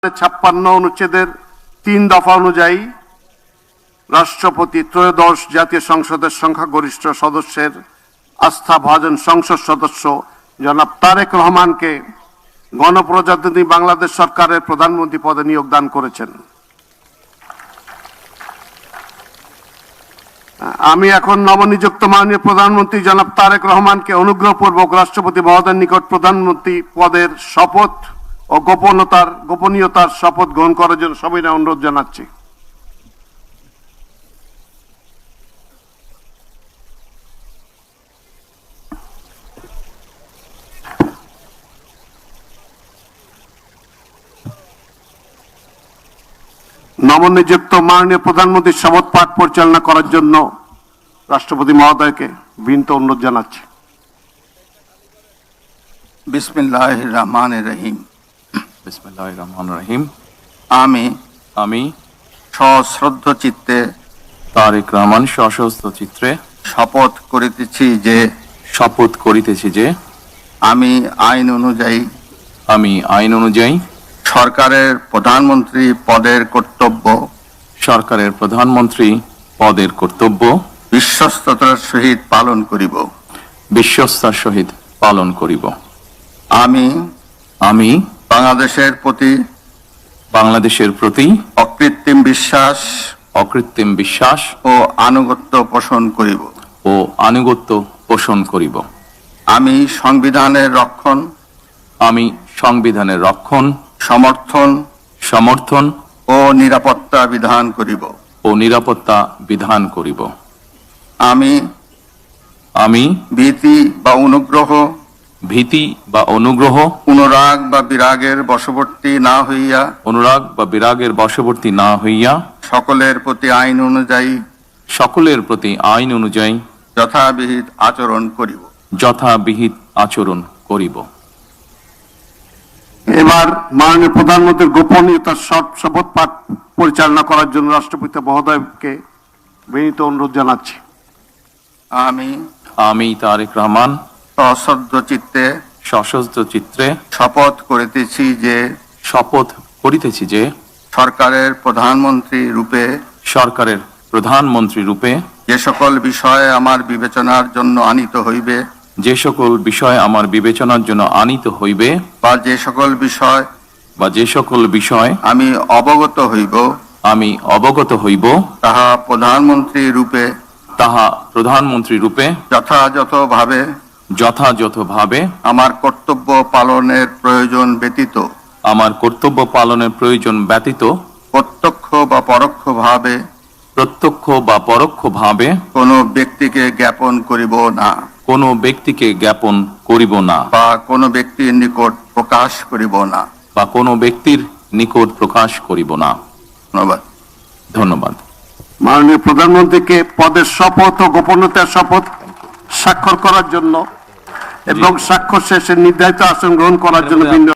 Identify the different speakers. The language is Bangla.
Speaker 1: 56 অনুচ্ছেদের 3 দফা অনুযায়ী রাষ্ট্রপতি ত্রয়োদশ জাতীয় সংসদের সংখ্যাগরিষ্ঠ সদস্যের আস্থাভাজন সংসদ সদস্য জনাব তারেক রহমানকে গণপ্রজাতন্ত্রী বাংলাদেশ সরকারের প্রধানমন্ত্রী পদে নিয়োগ দান করেছেন। আমি এখন নবনিযুক্ত মাননীয় প্রধানমন্ত্রী জনাব তারেক রহমানকে অনুগ্রহপূর্বক রাষ্ট্রপতি মহোদয়ের নিকট প্রধানমন্ত্রী পদের শপথ ও গোপনীয়তার শপথ গ্রহণ করার জন্য সবিনয় অনুরোধ জানাচ্ছি। নবনিযুক্ত মাননীয় প্রধানমন্ত্রীর শপথ পাঠ পরিচালনা করার জন্য রাষ্ট্রপতি মহোদয়কে বিনীত অনুরোধ জানাচ্ছি।
Speaker 2: বিসমিল্লাহির রহমানির রহিম।
Speaker 3: বিসমিল্লাহির রহমানির রহিম।
Speaker 2: আমি সশ্রদ্ধ চিত্তে
Speaker 3: তারেক রহমান সশস্ত্র চিত্রে
Speaker 2: শপথ করিতেছি যে আমি আইন অনুযায়ী সরকারের প্রধানমন্ত্রী পদের কর্তব্য বিশ্বস্ততার সহিত পালন করিব। আমি বাংলাদেশের প্রতি অকৃত্রিম বিশ্বাস ও আনুগত্য পোষণ করিব। আমি সংবিধানের রক্ষণ সমর্থন ও নিরাপত্তা বিধান করিব। আমি ভীতি বা অনুগ্রহ অনুরাগ বা বিরাগের বশবর্তী না হইয়া সকলের প্রতি আইন অনুযায়ী যথাবিহিত আচরণ করিব।
Speaker 1: এবার মাননীয় প্রধানমন্ত্রীর গোপনীয়তার শপথ পাঠ পরিচালনা করার জন্য রাষ্ট্রপতি মহোদয়কে বিনীত অনুরোধ জানাচ্ছি।
Speaker 3: আমি তারেক রহমান সশস্ত্র চিত্রে
Speaker 2: শপথ
Speaker 3: করিতেছি যে
Speaker 2: সরকারের প্রধানমন্ত্রী রূপে যে সকল বিষয় আমার বিবেচনার জন্য আনিত হইবে বা যে সকল বিষয় আমি অবগত হইব তাহা প্রধানমন্ত্রী রূপে যথাযথভাবে আমার কর্তব্য পালনের প্রয়োজন ব্যতীত প্রত্যক্ষ বা পরোক্ষভাবে কোনো ব্যক্তিকে জ্ঞাপন করিব না বা কোনো ব্যক্তির নিকট প্রকাশ করিব না। ধন্যবাদ।
Speaker 1: মাননীয় প্রধানমন্ত্রীকে পদের শপথ ও গোপনীয়তার শপথ স্বাক্ষর করার জন্য এবং স্বাক্ষর শেষে নির্ধারিত আসন গ্রহণ করার জন্য